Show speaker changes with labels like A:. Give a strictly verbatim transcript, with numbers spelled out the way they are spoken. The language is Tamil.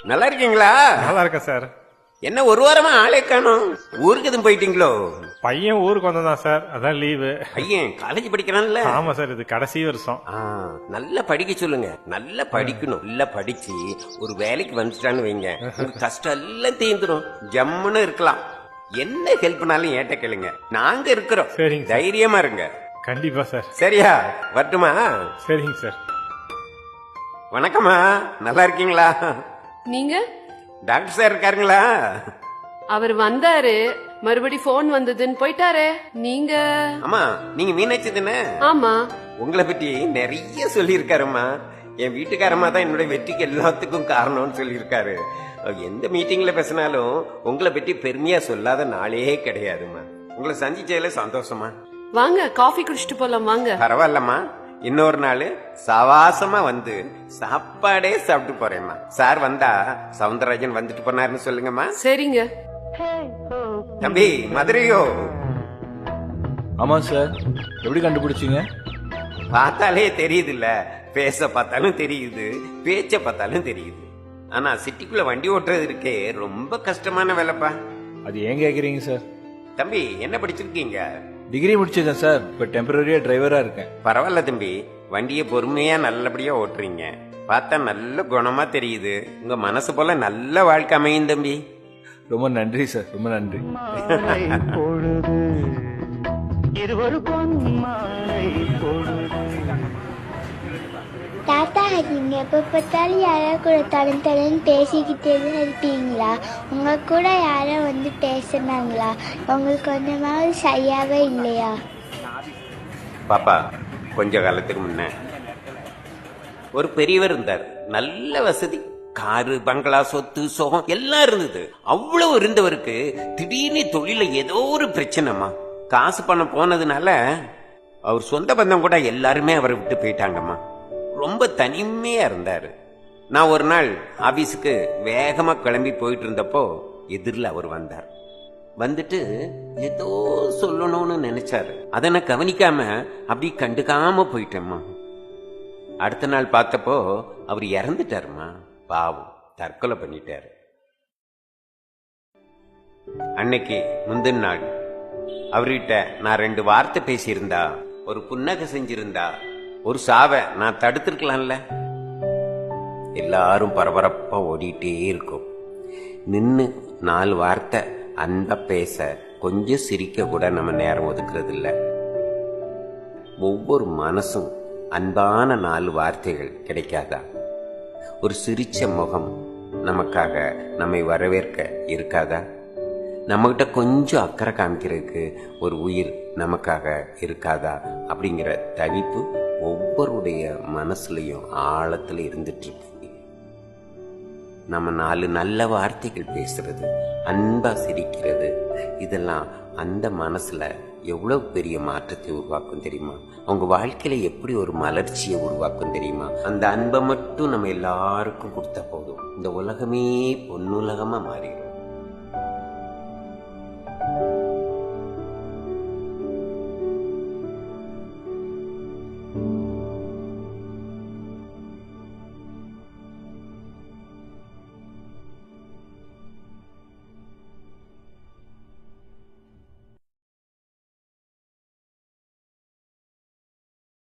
A: நல்லா இருக்கீங்களா?
B: நல்லா இருக்கேன் சார்.
A: என்ன ஒரு வாரமா ஆளே காணோம்? ஊருக்கு எதுவும் போயிட்டீங்களோ?
B: பையன் ஊருக்கு வந்ததான் சார், அதான் லீவு.
A: பையன் காலேஜ் படிக்கிறான்ல?
B: ஆமா சார், இது கடைசி வருஷம்.
A: நல்லா படிக்க சொல்லுங்க, நல்லா படிக்கணும். நல்லா படிச்சு ஒரு வேலைக்கு வந்துட்டான்னு வைங்க, கஷ்டம் எல்லாம் தீந்துடும், ஜம்முன்னு இருக்கலாம். என்ன ஹெல்ப்னாலும் ஏட்ட கேளுங்க, நாங்க இருக்கிறோம்.
B: சரிங்க,
A: தைரியமா இருங்க.
B: கண்டிப்பா சார்.
A: சரியா? வரட்டுமா?
B: சரிங்க சார்.
A: வணக்கம்மா, நல்லா இருக்கீங்களா?
C: நீங்க?
A: Doctor sir இருக்காருங்களா?
C: அவர் வந்தாரு, மறுபடி போன் வந்ததுன்னு போயிட்டாரு. நீங்க?
A: ஆமா, நீங்க மீனாட்சி தானே?
C: ஆமா.
A: உங்களை பத்தி நிறைய சொல்லி இருக்காருமா. என் வீட்டுக்காரமா தான் என்னோட வெற்றிக்கு எல்லாத்துக்கும் காரணம்னு சொல்லி இருக்காரு. எந்த மீட்டிங்ல பேசினாலும் உங்களை பத்தி பெருமையா சொல்லாத நாளே கிடையாதுமா. உங்களை சந்திச்சதுல சந்தோஷமா.
C: வாங்க, காஃபி குடிச்சிட்டு போலாம் வாங்க.
A: பரவாயில்லம்மா, இன்னொரு நாள் சவாசமா வந்து சாப்பாடே சாப்பிட்டு போறேம்மா. சார் வந்தா சவுந்தரராஜன் வந்துட்டு போனாருன்னு சொல்லுங்கம்மா.
C: சரிங்க.
A: தம்பி மதுரையோ?
D: ஆமா சார். எப்படி கண்டுபிடிச்சீங்க?
A: பார்த்தாலே தெரியுது இல்ல, பேச பார்த்தாலும் தெரியுது, பேச்ச பார்த்தாலும் தெரியுது. ஆனா சிட்டிக்குள்ள வண்டி ஓட்டுறது இருக்கே ரொம்ப கஷ்டமான வேலைப்பா.
D: அது ஏன் கேக்குறீங்க சார்?
A: தம்பி என்ன படிச்சிருக்கீங்க?
D: டிகிரி முடிச்சிருக்கேன் சார், இப்ப டெம்பரரியா டிரைவரா இருக்கேன்.
A: பரவாயில்ல தம்பி, வண்டியை பொறுமையா நல்லபடியா ஓட்டுறீங்க. பார்த்தா நல்ல குணமா தெரியுது. உங்க மனசு போல நல்ல வாழ்க்கை அமையும் தம்பி.
D: ரொம்ப நன்றி சார், ரொம்ப நன்றி.
E: தாத்தா, நீங்க எப்ப பார்த்தாலும் யாரோ கூட தடன் தடன் பேசிக்கிட்டே தான் இருப்பீங்களா? உங்க கூட யாரோ வந்து பேசினாங்களா? உங்களுக்கு கொஞ்சமாவது சரியாவே இல்லையா?
A: பாப்பா, கொஞ்ச காலத்துக்கு முன்ன ஒரு பெரியவர் இருந்தார். நல்ல வசதி, காரு, பங்களா, சொத்து, சோகம் எல்லாம் இருந்தது. அவ்வளவு இருந்தவருக்கு திடீர்னு தொழில ஏதோ ஒரு பிரச்சனைமா. காசு பணம் போனதுனால அவர் சொந்த பந்தம் கூட எல்லாருமே அவரை விட்டு போயிட்டாங்கம்மா. ரொம்ப தனிமையா இருந்தாரு. நான் ஒரு நாள் ஆபீஸுக்கு வேகமா கிளம்பி போயிட்டு இருந்தப்போ எதிரில் அவர் வந்தார். வந்துட்டு ஏதோ சொல்லணும்னு நினைச்சாரு. அதை நான் கவனிக்காம அப்படி கண்டுக்காம போயிட்டேம்மா. அடுத்த நாள் பார்த்தப்போ அவர் இறந்துட்டாருமா. பாவம், தற்கொலை பண்ணிட்டாரு. அன்னைக்கு முந்தின நாள் அவர்கிட்ட நான் ரெண்டு வார்த்தை பேசியிருந்தா, ஒரு புன்னகை செஞ்சிருந்தா, ஒரு சாவை நான் தடுத்திருக்கலாம்ல. எல்லாரும் பரபரப்பா ஓடிட்டே இருக்கும். நின்னு நாலு வார்த்தை அன்பா பேச, கொஞ்சம் சிரிக்க கூட நம்ம நேரம் ஒதுக்குறது இல்ல. ஒவ்வொரு மனசும் அன்பான நாலு வார்த்தைகள் கிடைக்காதா? ஒரு சிரிச்ச முகம் நமக்காக நம்மை வரவேற்க இருக்காதா? நம்மகிட்ட கொஞ்சம் அக்கறை காமிக்கிறதுக்கு ஒரு உயிர் நமக்காக இருக்காதா? அப்படிங்கிற தவிப்பு ஒவ்வொருடைய மனசுலயும் ஆழத்துல இருந்துட்டு இருக்கு. நம்ம நாலு நல்ல வார்த்தைகள் பேசுறது, அன்பா சிரிக்கிறது, இதெல்லாம் அந்த மனசுல எவ்வளவு பெரிய மாற்றத்தை உருவாக்கும் தெரியுமா? அவங்க வாழ்க்கையில எப்படி ஒரு மலர்ச்சியை உருவாக்கும் தெரியுமா? அந்த அன்பை மட்டும் நம்ம எல்லாருக்கும் கொடுத்தா போதும், இந்த உலகமே பொன்னுலகமா மாறிடும்.